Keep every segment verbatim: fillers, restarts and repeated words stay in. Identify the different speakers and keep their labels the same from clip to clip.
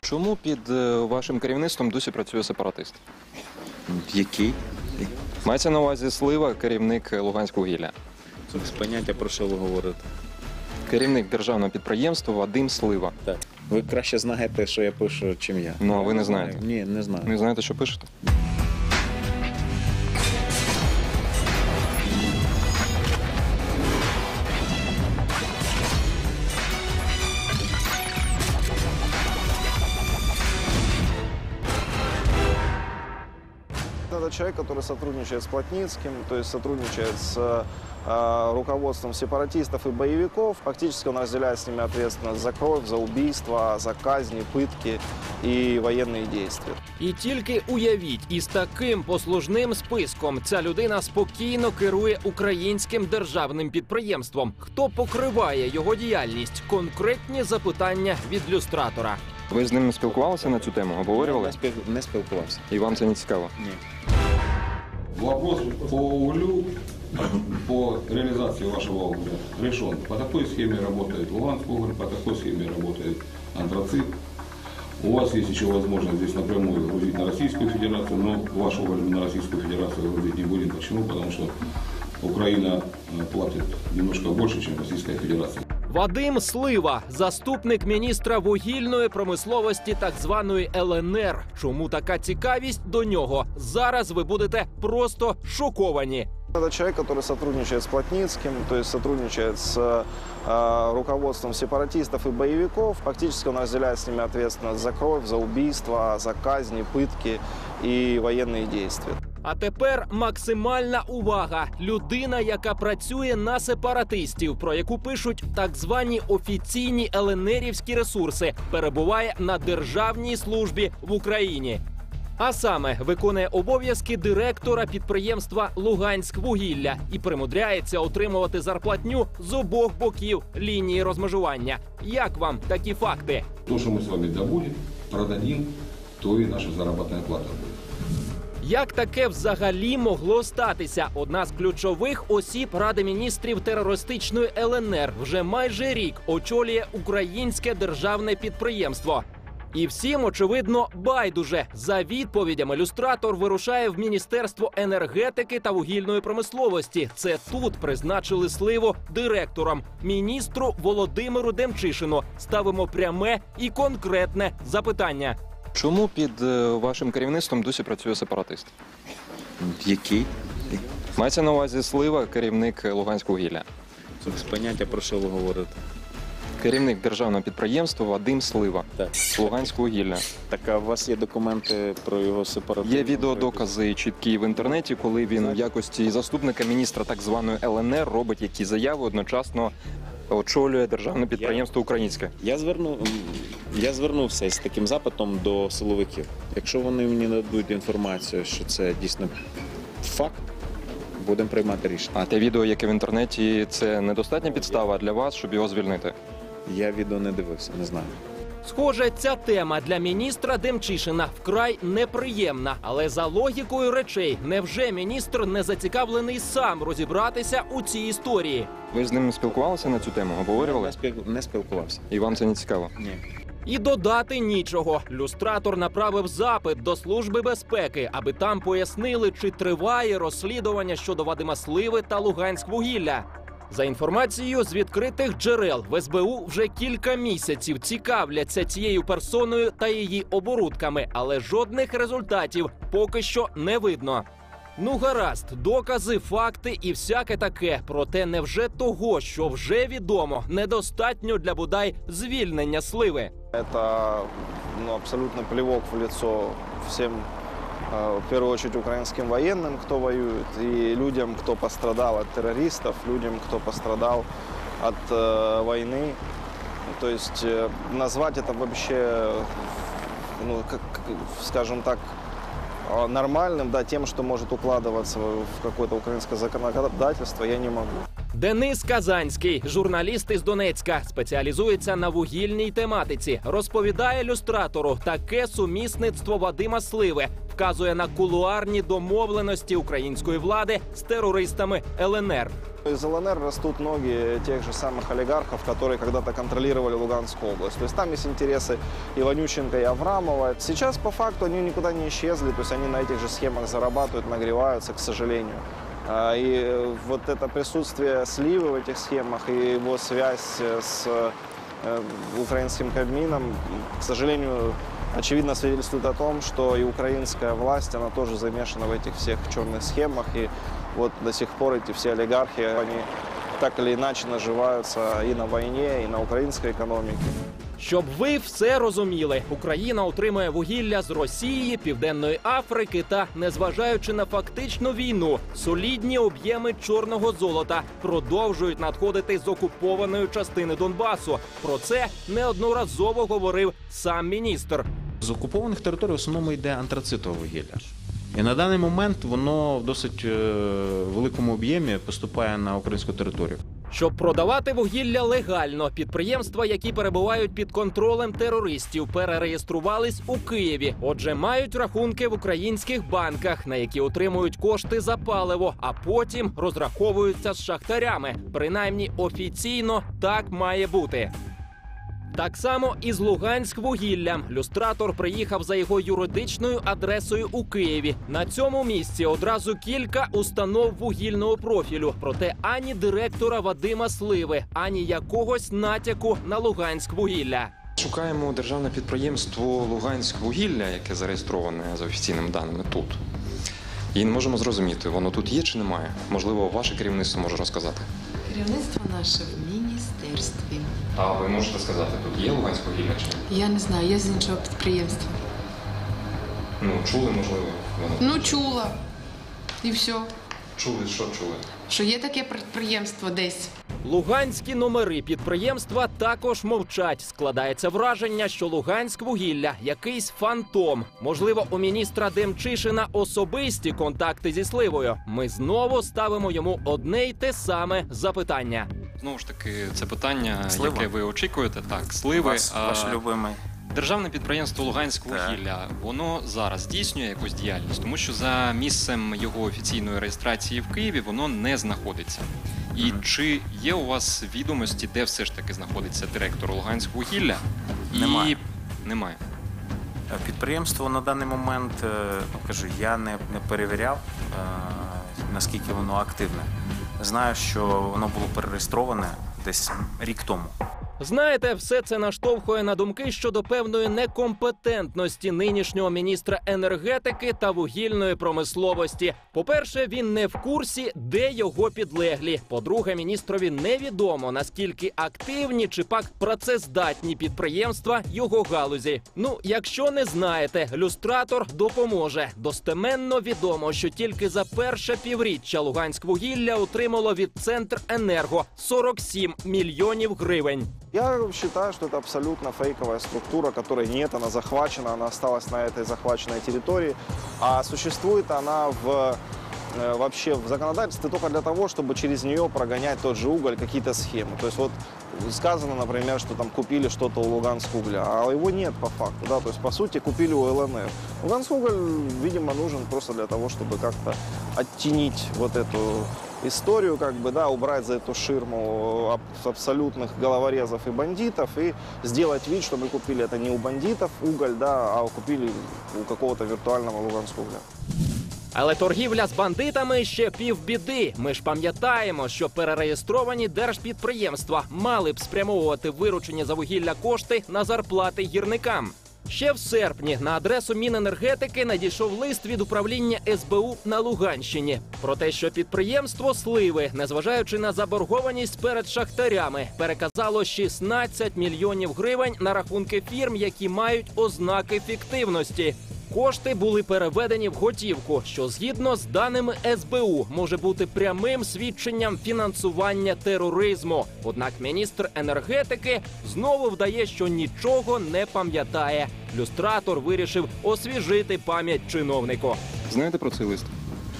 Speaker 1: Чому під е, вашим керівництвом досі працює сепаратист?
Speaker 2: Який?
Speaker 1: Мається на увазі Слива, керівник Луганськвугілля.
Speaker 2: Без поняття, про що ви говорите.
Speaker 1: Керівник державного підприємства Вадим Слива.
Speaker 2: Так. Ви краще знаєте, що я пишу, чим я.
Speaker 1: Ну, а ви не знаєте?
Speaker 2: Ні, не знаю.
Speaker 1: Не знаєте, що пишете?
Speaker 3: Это человек, который сотрудничает с Плотницким, то есть сотрудничает с э, руководством сепаратистов и боевиков. Фактически он разделяет с ними ответственность за кровь, за убийства, за казни, пытки и военные действия.
Speaker 4: І тільки уявіть, із таким послужним списком ця людина спокійно керує українським державним підприємством. Хто покриває його діяльність? Конкретні запитання від люстратора.
Speaker 1: Ви з ним спілкувалися на цю тему?
Speaker 2: Я
Speaker 1: Обговорювали?
Speaker 2: не спіл- не спілкувався.
Speaker 1: І вам це не цікаво?
Speaker 2: Ні.
Speaker 5: Вопрос по углю, по реализации вашего угля решен. По такой схеме работает Луганск уголь, по такой схеме работает антрацит. У вас есть еще возможность здесь напрямую грузить на Российскую Федерацию, но ваш уголь мы на Российскую Федерацию грузить не будем. Почему? Потому что Украина э, платит немножко больше, чем Российская Федерация.
Speaker 4: Вадим Слива, заступник міністра вугільної промисловості так званої Л Н Р. Чому така цікавість до нього? Зараз ви будете просто шоковані.
Speaker 3: Это человек, который сотрудничает с Плотницким, то есть сотрудничает с э, руководством сепаратистов и боевиков. Фактически он разделяет с ними ответственность за кровь, за убийства, за казни, пытки и военные действия.
Speaker 4: А тепер максимальна увага. Людина, яка працює на сепаратистів, про яку пишуть так звані офіційні еленерівські ресурси, перебуває на державній службі в Україні. А саме виконує обов'язки директора підприємства «Луганськвугілля» і примудряється отримувати зарплатню з обох боків лінії розмежування. Як вам такі факти?
Speaker 5: То, что мы с вами добудем, продадим, то и наша заработная плата будет.
Speaker 4: Як таке взагалі могло статися? Одна з ключових осіб Ради міністрів терористичної Л Н Р вже майже рік очолює українське державне підприємство. І всім, очевидно, байдуже. За відповідями люстратор вирушає в Міністерство енергетики та вугільної промисловості. Це тут призначили Сливу директором. Міністру Володимиру Демчишину ставимо пряме і конкретне запитання.
Speaker 1: Чому під е, вашим керівництвом досі працює сепаратист?
Speaker 2: Який?
Speaker 1: Мається на увазі Слива, керівник Луганськвугілля.
Speaker 2: Без поняття, про що ви говорите.
Speaker 1: Керівник державного підприємства Вадим Слива.
Speaker 2: Так.
Speaker 1: Луганськвугілля.
Speaker 2: Так, а у вас є документи про його сепаратизм?
Speaker 1: Є відеодокази чіткі в інтернеті, коли він в якості заступника міністра так званої Л Н Р робить які заяви, одночасно очолює державне підприємство українське.
Speaker 2: Я зверну, я звернувся з таким запитом до силовиків. Якщо вони мені нададуть інформацію, що це дійсно факт, будемо приймати рішення.
Speaker 1: А те відео, яке в інтернеті, це недостатня підстава для вас, щоб його звільнити?
Speaker 2: Я відео не дивився, не знаю.
Speaker 4: Схоже, ця тема для міністра Демчишина вкрай неприємна. Але за логікою речей, невже міністр не зацікавлений сам розібратися у цій історії?
Speaker 1: Ви з ним спілкувалися на цю тему?
Speaker 2: Я
Speaker 1: Обговорювали?
Speaker 2: не спіл- не спілкувався.
Speaker 1: І вам це не цікаво?
Speaker 2: Ні.
Speaker 4: І додати нічого. Люстратор направив запит до Служби безпеки, аби там пояснили, чи триває розслідування щодо Вадима Сливи та Луганськвугілля. За інформацією з відкритих джерел, в С Б У вже кілька місяців цікавляться цією персоною та її оборудками, але жодних результатів поки що не видно. Ну гаразд, докази, факти і всяке таке. Проте невже того, що вже відомо, недостатньо для бодай звільнення Сливи?
Speaker 3: Это ну, абсолютно плевок в лицо всем, э, в первую очередь, украинским военным, кто воюет, и людям, кто пострадал от террористов, людям, кто пострадал от э, войны. То есть э, назвать это вообще, ну, как, скажем так, э, нормальным, да, тем, что может укладываться в какое-то украинское законодательство, я не могу.
Speaker 4: Денис Казанський, журналіст із Донецька, спеціалізується на вугільній тематиці. Розповідає люстратору, таке сумісництво Вадима Сливи вказує на кулуарні домовленості української влади з терористами ел ен ер.
Speaker 3: Из эл эн эр растут ноги тех же самых олигархов, которые когда-то контролировали Луганскую область. То есть там есть интересы Иванюченко и Аврамова. Сейчас по факту они никуда не исчезли, то есть они на этих же схемах зарабатывают, нагреваются, к сожалению. А, И вот это присутствие Сливы в этих схемах и его связь с э, украинским Кабмином, к сожалению, очевидно свидетельствует о том, что и украинская власть, она тоже замешана в этих всех черных схемах. И вот до сих пор эти все олигархи, они так или иначе наживаются и на войне, и на украинской экономике.
Speaker 4: Щоб ви все розуміли, Україна отримує вугілля з Росії, Південної Африки та, незважаючи на фактичну війну, солідні об'єми чорного золота продовжують надходити з окупованої частини Донбасу. Про це неодноразово говорив сам міністр.
Speaker 2: З окупованих територій в основному йде антрацитове вугілля. І на даний момент воно в досить е, великому об'ємі поступає на українську територію.
Speaker 4: Щоб продавати вугілля легально, підприємства, які перебувають під контролем терористів, перереєструвались у Києві. Отже, мають рахунки в українських банках, на які отримують кошти за паливо, а потім розраховуються з шахтарями. Принаймні офіційно так має бути. Так само і з Луганськвугіллям. Люстратор приїхав за його юридичною адресою у Києві. На цьому місці одразу кілька установ вугільного профілю. Проте ані директора Вадима Сливи, ані якогось натяку на Луганськвугілля.
Speaker 1: Шукаємо державне підприємство «Луганськвугілля», яке зареєстроване за офіційними даними тут. І не можемо зрозуміти, воно тут є чи немає. Можливо, ваше керівництво може розказати.
Speaker 6: Керівництво наше в міністерстві.
Speaker 1: А ви можете сказати, тут є Луганськвугілля чи ні?
Speaker 6: Я не знаю, я з іншого підприємства.
Speaker 1: Ну, чули, можливо, воно.
Speaker 6: Ну, чула. І все.
Speaker 1: Чули, що чули?
Speaker 6: Що є таке підприємство десь.
Speaker 4: Луганські номери підприємства також мовчать. Складається враження, що Луганськвугілля – якийсь фантом. Можливо, у міністра Демчишина особисті контакти зі Сливою. Ми знову ставимо йому одне й те саме запитання.
Speaker 7: Знову ж таки, це питання,
Speaker 8: Слива.
Speaker 7: яке ви очікуєте, так, сливи.
Speaker 8: Вас,
Speaker 7: А,
Speaker 8: ваш любимий.
Speaker 7: Державне підприємство «Луганськвугілля», воно зараз здійснює якусь діяльність, тому що за місцем його офіційної реєстрації в Києві воно не знаходиться. І
Speaker 8: Мгм.
Speaker 7: чи є у вас відомості, де все ж таки знаходиться директор «Луганськвугілля»? І...
Speaker 8: Немає.
Speaker 7: Немає.
Speaker 8: Підприємство на даний момент, е, ну, кажу, я не, не перевіряв, е, наскільки воно активне. Знаю, що воно було перереєстроване десь рік тому.
Speaker 4: Знаєте, все це наштовхує на думки щодо певної некомпетентності нинішнього міністра енергетики та вугільної промисловості. По-перше, він не в курсі, де його підлеглі. По-друге, міністрові невідомо, наскільки активні чи пак працездатні підприємства його галузі. Ну, якщо не знаєте, люстратор допоможе. Достеменно відомо, що тільки за перше півріччя Луганськвугілля отримало від Центренерго сорок сім мільйонів гривень.
Speaker 3: Я считаю, что это абсолютно фейковая структура, которой нет, она захвачена, она осталась на этой захваченной территории, а существует она в, э, вообще в законодательстве только для того, чтобы через нее прогонять тот же уголь, какие-то схемы. То есть вот сказано, например, что там купили что-то у Луганскугля, а его нет по факту, да, то есть по сути купили у эл эн эр. Луганскуголь, видимо, нужен просто для того, чтобы как-то оттенить вот эту историю, как бы, да, убрать за эту ширму абсолютных головорезов и бандитов и сделать вид, что мы купили это не у бандитов уголь, да, а купили у какого-то виртуального Луганскугля.
Speaker 4: Але торгівля з бандитами ще півбіди. Ми ж пам'ятаємо, що перереєстровані держпідприємства мали б спрямовувати виручені за вугілля кошти на зарплати гірникам. Ще в серпні на адресу Міненергетики надійшов лист від управління ес бе у на Луганщині про те, що підприємство Сливи, незважаючи на заборгованість перед шахтарями, переказало шістнадцять мільйонів гривень на рахунки фірм, які мають ознаки фіктивності. Кошти були переведені в готівку, що згідно з даними ес бе у може бути прямим свідченням фінансування тероризму. Однак міністр енергетики знову вдає, що нічого не пам'ятає. Люстратор вирішив освіжити пам'ять чиновнику.
Speaker 1: Знаєте про цей лист?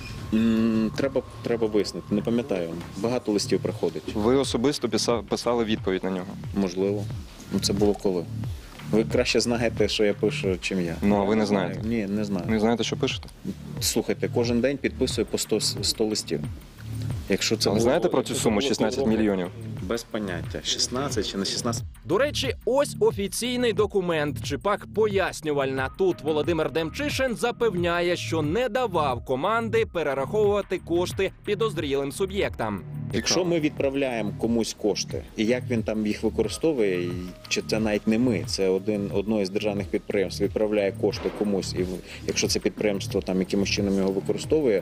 Speaker 2: М, Треба, треба вияснити, не пам'ятаю. Багато листів приходить.
Speaker 1: Ви особисто писа- писали відповідь на нього.
Speaker 2: Можливо. Ну, це було коли? Ви краще знаєте, що я пишу, чим я.
Speaker 1: Ну, а ви не знаєте?
Speaker 2: Ні, не знаю.
Speaker 1: Не знаєте, що пишете?
Speaker 2: Слухайте, кожен день підписую по сто, сто листів. Якщо це
Speaker 1: А ви
Speaker 2: було-
Speaker 1: знаєте про цю
Speaker 2: якщо це
Speaker 1: суму
Speaker 2: було
Speaker 1: шістнадцять
Speaker 2: півроку,
Speaker 1: мільйонів?
Speaker 2: Без поняття. шістнадцять чи не шістнадцять.
Speaker 4: До речі, ось офіційний документ, чи пак пояснювальна. Тут Володимир Демчишин запевняє, що не давав команди перераховувати кошти підозрілим суб'єктам.
Speaker 2: Якщо ми відправляємо комусь кошти, і як він там їх використовує, і чи це навіть не ми, це один одно із державних підприємств відправляє кошти комусь, і в- якщо це підприємство там якимось чином його використовує,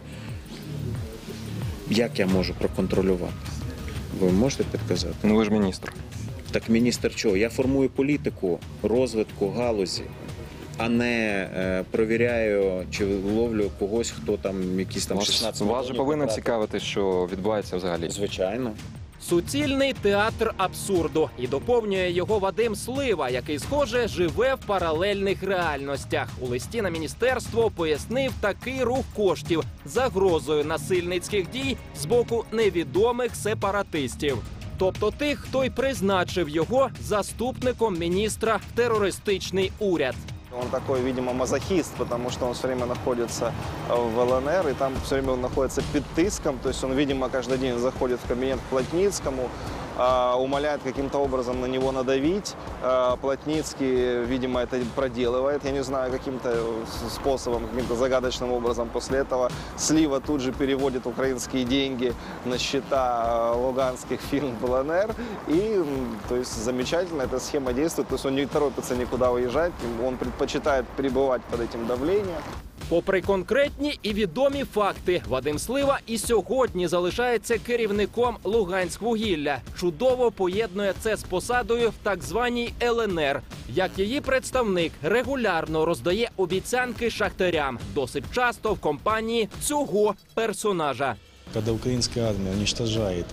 Speaker 2: як я можу проконтролювати? Ви можете підказати?
Speaker 1: Ну ви ж міністр.
Speaker 2: Так міністр чого? Я формую політику розвитку галузі, а не е, перевіряю чи ловлю когось, хто там якісь там
Speaker 1: Вас,
Speaker 2: шістнадцять
Speaker 1: вас же
Speaker 2: мільйонів
Speaker 1: повинно
Speaker 2: потратив.
Speaker 1: цікавити, що відбувається взагалі.
Speaker 2: Звичайно.
Speaker 4: Суцільний театр абсурду. І доповнює його Вадим Слива, який, схоже, живе в паралельних реальностях. У листі на міністерство пояснив такий рух коштів загрозою насильницьких дій з боку невідомих сепаратистів. Тобто тих, хто й призначив його заступником міністра в терористичний уряд.
Speaker 3: Он такой, видимо, мазохист, потому что он все время находится в ЛНР, и там все время он находится под тиском, то есть он, видимо, каждый день заходит в кабинет к Плотницкому, а, умоляет каким-то образом на него надавить. А, Плотницкий, видимо, это проделывает, я не знаю, каким-то способом, каким-то загадочным образом. После этого Слива тут же переводит украинские деньги на счета а, луганских фирм в ЛНР, и, м, то есть, замечательно эта схема действует, то есть он не торопится никуда уезжать, он предпочитает пребывать под этим давлением.
Speaker 4: Попри конкретні і відомі факти, Вадим Слива і сьогодні залишається керівником Луганськвугілля. Чудово поєднує це з посадою в так званій ЛНР. Як її представник регулярно роздає обіцянки шахтарям, досить часто в компанії цього персонажа.
Speaker 9: Когда украинская армия уничтожает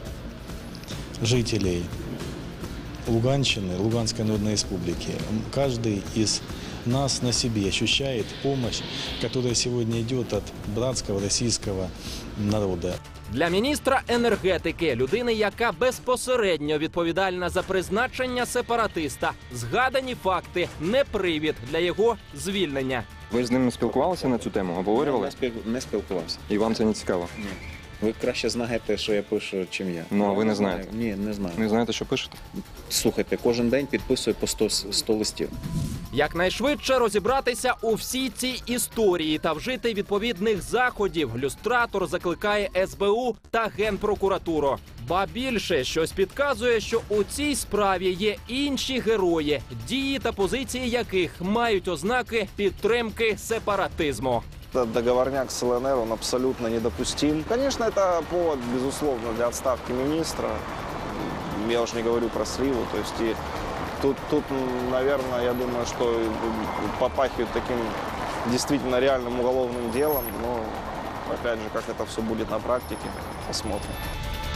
Speaker 9: жителей Луганщины, Луганской Народной Республики, каждый из нас на себе ощущает помощь, которая сегодня идет от братского российского народа.
Speaker 4: Для міністра енергетики, людини, яка безпосередньо відповідальна за призначення сепаратиста, згадані факти не привід для його звільнення.
Speaker 1: Ви з ним спілкувалися на цю тему, обговорювали?
Speaker 2: Не, спіл... не спілкувався.
Speaker 1: І вам це не цікаво?
Speaker 2: Ні. Ви краще знаєте, що я пишу, чим я.
Speaker 1: Ну, а ви не знаєте?
Speaker 2: Ні, не знаю.
Speaker 1: Не знаєте, що пишете?
Speaker 2: Слухайте, кожен день підписую по сто, сто листів.
Speaker 4: Якнайшвидше розібратися у всій цій історії та вжити відповідних заходів, люстратор закликає ес бе у та Генпрокуратуру. Ба більше, щось підказує, що у цій справі є інші герої, дії та позиції яких мають ознаки підтримки сепаратизму.
Speaker 3: Этот договорняк с ЛНР, он абсолютно недопустим. Конечно, это повод, безусловно, для отставки министра. Я уж не говорю про Сливу. То есть и тут, тут, наверное, я думаю, что попахивает таким действительно реальным уголовным делом. Но, опять же, как это все будет на практике, посмотрим.